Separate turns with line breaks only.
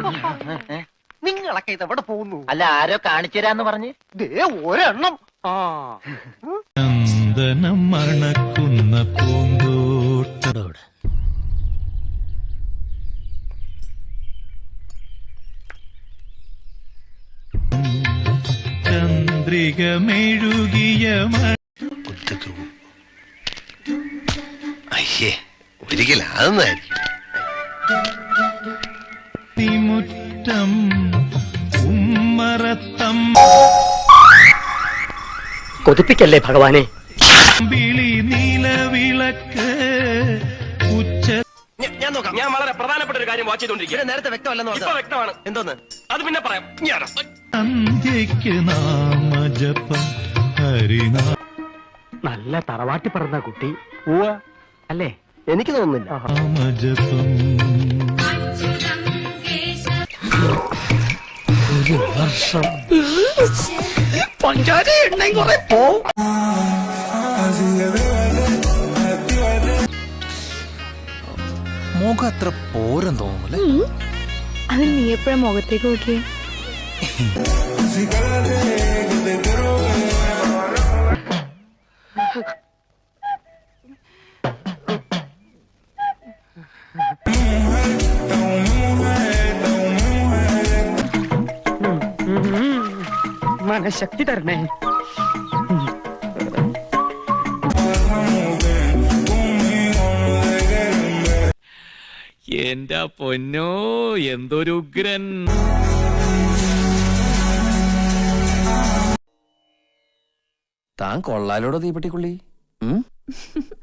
നിങ്ങളൊക്കെ ഇത് എവിടെ പോകുന്നു?
അല്ല, ആരോ കാണിച്ചു തരാന്ന് പറഞ്ഞ്
ദേ ഒരെണ്ണം.
ചന്ദനം മണക്കുന്ന പൂന്തോട്ടോട് ചന്ദ്രിക മെഴുകിയ
അയ്യേ, ഒരിക്കലും അതൊന്നായിരിക്കും.
മുറ്റം ഉമ്മറത്തം
കൊതിപ്പിക്കല്ലേ ഭഗവാനെ.
വിളി നീലവിളക്ക് ഉച്ച.
ഞാൻ നോക്കാം. ഞാൻ വളരെ പ്രധാനപ്പെട്ട ഒരു കാര്യം വാച്ച് ചെയ്തോണ്ടിരിക്കുക.
നേരത്തെ വ്യക്തമല്ലെന്ന്
ഇപ്പൊ വ്യക്തമാണ്.
എന്തോന്ന്?
അത് പിന്നെ പറയാം.
സന്ധ്യയ്ക്ക് നാമജപം ഹരിനാ.
നല്ല തറവാട്ടി പറഞ്ഞ കുട്ടി അല്ലേ? എനിക്ക് തോന്നുന്നില്ല.
നാമജപം
ഒരു വർഷം പഞ്ചാര എണ്ണയും കുറെ പോവും.
മുഖം അത്ര പോരം തോന്നുന്നു.
അത് നീ എപ്പോഴാ മുഖത്തേക്ക് നോക്കിയേ?
മനഃശക്തി തരണേ.
എന്റെ പൊന്നോ, എന്തൊരു ഉഗ്രൻ.
താൻ കൊള്ളാലോടോ തീപ്പെട്ടിക്കുള്ളി.